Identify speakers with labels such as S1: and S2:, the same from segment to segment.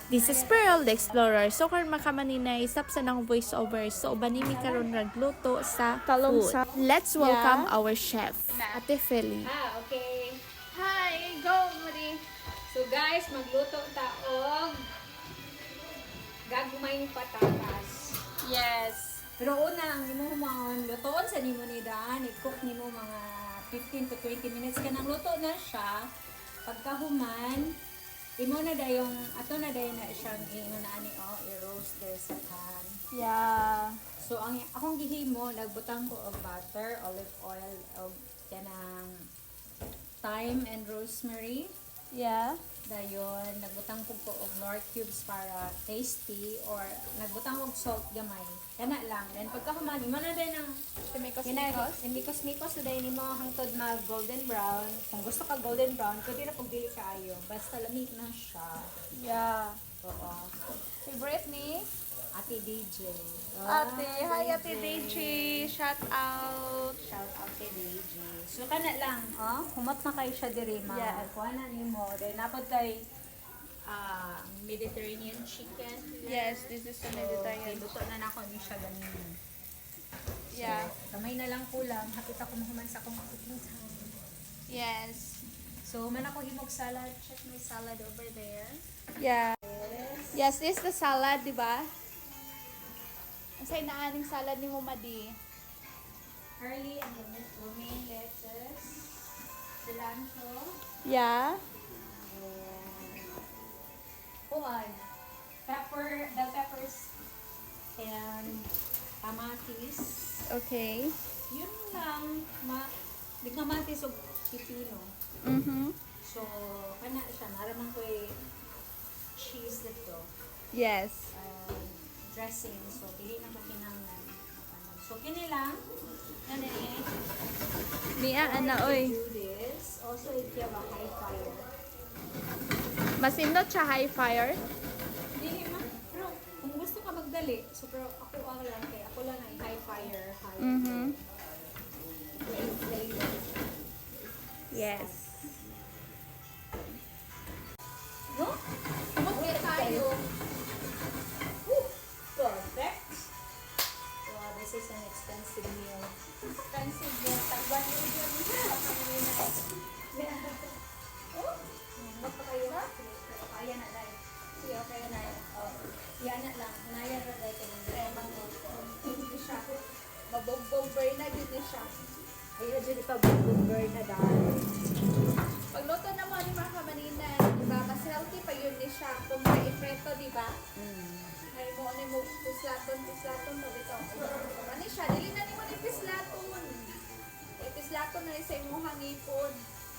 S1: This is Pearl, the Explorer. So, karon makamanina isap sa nang voiceover. So, banimi karon nagluto sa
S2: Talong
S1: food.
S2: sa...
S1: Let's welcome
S2: Yeah.
S1: our chef, Ate Feli.
S3: Okay.
S2: Hi! Go, Marie!
S3: So guys, magluto taog gagmayng patatas.
S2: Yes.
S3: Pero una, ang imo mga lutoon sa nimo ni Daan, i-cook nimo mga 15 to 20 minutes ka nang luto na siya. Pagkahuman, imo na dayong ato na dayon na siyang imo na ani i-roast there sa pan.
S2: Yeah.
S3: So ang akong gihimo, nagbutang ko og butter, olive oil, og kanang thyme and rosemary.
S2: Yeah.
S3: Dayon, nagbutang ko og nor cubes para tasty or nagbutang og salt gamay. Kana lang. Then pagkahuman, imo na din ang mikos-mikos na din nimo hangtod mag golden brown. Kung gusto ka golden brown, pwede na pag dili kaayo. Basta lamig na siya.
S2: Yeah.
S3: Oo.
S2: Favorite ni?
S3: Ate DJ.
S2: Ate. Hi, Ate Deji. Shout out.
S3: Shout out kay DJ. So kana lang, humot na kayo siya diri ma.
S2: Yeah.
S3: Kuha na nimo. Then napod kay Mediterranean chicken.
S2: Yes, this is the Mediterranean.
S3: Luto na nako ni siya ganun.
S2: Yeah.
S3: Kamay na lang kulang. Hapit ako mahuman sa akong cooking time.
S2: Yes.
S3: So, man ako himog salad. Check my salad over there.
S2: Yeah. Yes, this is the salad, di ba? Asay na aning salad ni Mumadi.
S3: Early and romaine lettuce. Cilantro.
S2: Yeah.
S3: And bell peppers. And kamatis.
S2: Okay.
S3: Yun lang. Di kamatis o pipino.
S2: Mm-hmm.
S3: So, kana siya. Naramang ko cheese dito.
S2: Yes.
S3: Dressing. So, dili na ko kinanglan. So, kini lang. Ano eh.
S2: Mia, ana, oy.
S3: Do this. Also, if you have a high fire.
S2: Masindot siya high fire.
S3: Dili ma. Pero, kung gusto ka magdali, so, pero ako lang, kaya ako lang ay high fire. High
S2: Mm-hmm.
S3: flavor.
S2: Yes.
S3: No?
S2: Kumagkir tayo.
S3: Perfect. Wow, this is an expensive meal.
S2: Expensive yun. Tagwan yun yun.
S3: Oh, baka kayo na? Kaya na lang. Sige, okay na. Oh, yan na lang. Naya na lang kayo. Hindi siya.
S2: Mabogbog-burn na din siya.
S3: Ayun, dyan ipabugbog na dahil.
S2: Pagluto naman ni mga kamanina, diba? Mas healthy pa yun ni siya. Kung may ipreto, diba? Ay mo, ano mo, pislaton, mo dito. Ano siya? Dili na ni mo ni pislaton. Eh, pislaton na sa imong hangipon.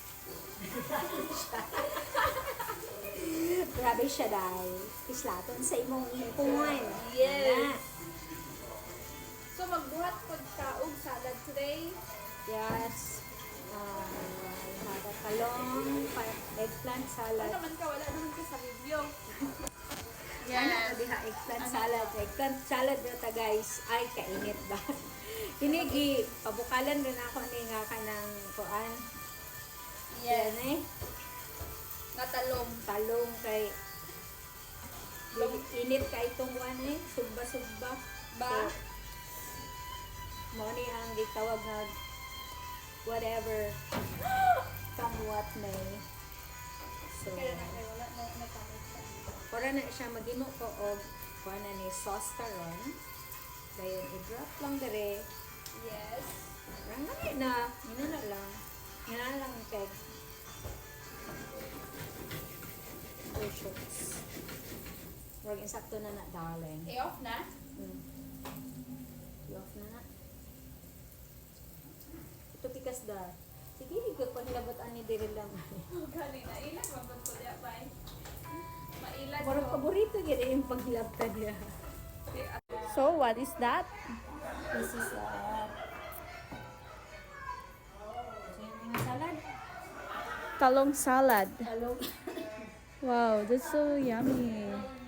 S3: Grabe siya dahil. Pislaton sa imong ipon.
S2: Yes. So, magbuhat po kaog salad today.
S3: Yes. Have a talong, eggplant
S2: Ano
S3: salad.
S2: naman ka? Wala naman ka sa video.
S3: Ano diha eggplant salad. Eggplant salad na ta guys. Ay, kainit ba? Hinigi, pabukalan rin ako ni nga ka ng kuan. Yan eh.
S2: Natalong.
S3: Talong kay init ka itong kuan eh. Sugba-sugba.
S2: Ba?
S3: Mo ni ang gitawag nga whatever somewhat may. So,
S2: Kaya na kayo, wala na natamit siya.
S3: para na siya magimo ko og kuan na ni sauce karon. Dayon i-drop lang dire.
S2: Yes.
S3: Rangay na, ina na lang. Ina na lang kay. Oh, shucks. Wag insakto na na, darling.
S2: I-off na?
S3: I-off na na. Ito pikas da. Sige, ikot panglabot ani diri lang.
S2: Galing na. Ilan mabot ko niya, bye. Mailan
S3: Parang paborito gid yung paglabta niya.
S2: So, what is that?
S3: This is mga salad.
S2: Talong salad.
S3: Talong.
S2: Wow, that's so yummy.